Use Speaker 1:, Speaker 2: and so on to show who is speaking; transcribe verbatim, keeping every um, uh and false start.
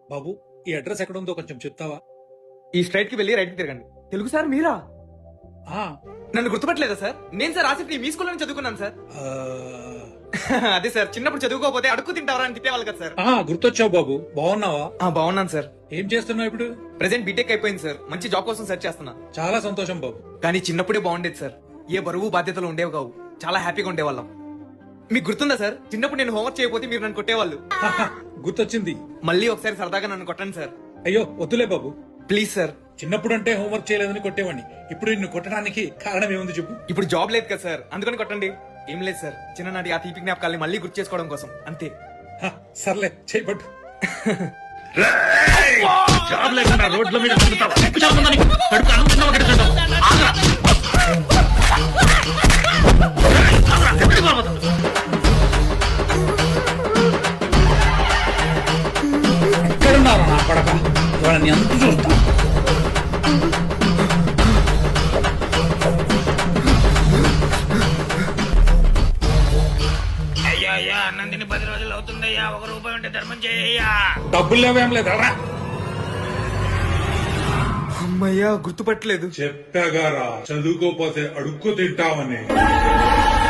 Speaker 1: బాబు ఈ అడ్రస్ ఎక్కడ ఉందో కొంచెం చెప్తావా?
Speaker 2: ఈ స్ట్రైట్ కి వెళ్ళి రైట్ కి తిరగండి. తెలుగు సార్ మీరా?
Speaker 1: ఆ,
Speaker 2: నన్ను గుర్తుపట్టలేదా సార్? నేను సార్ ఆసిఫ్ మీ స్కూల్లో చదువుకున్నాను సార్.
Speaker 1: ఆ,
Speaker 2: అదే సార్, చిన్నప్పుడు చదువుకోకపోతే అడుక్కు తింటావరా అని తిట్టేవాళ్ళు కదా సార్.
Speaker 1: ఆ, గుర్తొచ్చావు బాబు. బాగున్నావా?
Speaker 2: ఆ, బాగున్నాను సార్.
Speaker 1: ఏం చేస్తున్నావు ఇప్పుడు?
Speaker 2: ప్రెసెంట్ బీటెక్ అయిపోయింది సార్. మంచి జాబ్ కోసం సెర్చ్ చేస్తున్నా.
Speaker 1: చాలా సంతోషం బాబు.
Speaker 2: కానీ చిన్నప్పుడే బాగుండేది సార్. ఏ బరువు బాధ్యతలు ఉండేవి కావు. చాలా హ్యాపీగా ఉండేవాళ్ళం. మీకు గుర్తుందా సార్, చిన్నప్పుడు నేను హోంవర్క్ చేయకపోతే మీరు నన్ను కొట్టేవాళ్ళు.
Speaker 1: హహ, గుర్తొచ్చింది.
Speaker 2: మళ్ళీ ఒకసారి సరదాగా నన్ను కొట్టండి సార్.
Speaker 1: అయ్యో వద్దులే బాబు.
Speaker 2: Please sir.
Speaker 1: చిన్నప్పుడు అంటే హోంవర్క్ చేయలేదని కొట్టేవాడిని. ఇప్పుడు నిన్ను కొట్టడానికి కారణం ఏముంది చెప్పు?
Speaker 2: ఇప్పుడు జాబ్ లేదు కదా సార్, అందుకని కొట్టండి. ఏం లేదు సార్, చిన్ననాటి ఆ తీపి జ్ఞాపకాల్ని మళ్ళీ గుర్తు చేసుకోవడం కోసం అంతే.
Speaker 1: హ, సర్లే చేయబట్టు.
Speaker 3: జాబ్ లేకుండా రోడ్ల మీద తిరుగుతావా? ఎక్కువ జాబ్ ఉందని కడుపు అనుకున్నావా? గడుచుంటావు. ఆగ్రా. ఆగ్రా, ఎక్కడికి పోవాలి?
Speaker 1: ఎక్కడున్నారా నా కొడక? వాళ్ళని ఎంత చూస్తా.
Speaker 3: అయ్యా అయ్యా, అన్నం తిని పది రోజులు అవుతుందయ్యా. ఒక రూపాయి ఉంటే ధర్మం చేయ్యా.
Speaker 1: డబ్బులు లేవేం లేదరా?
Speaker 2: అమ్మయ్యా, గుర్తుపట్టలేదు.
Speaker 1: చెప్పాగారా చదువుకోపోతే అడుక్కు తింటామని.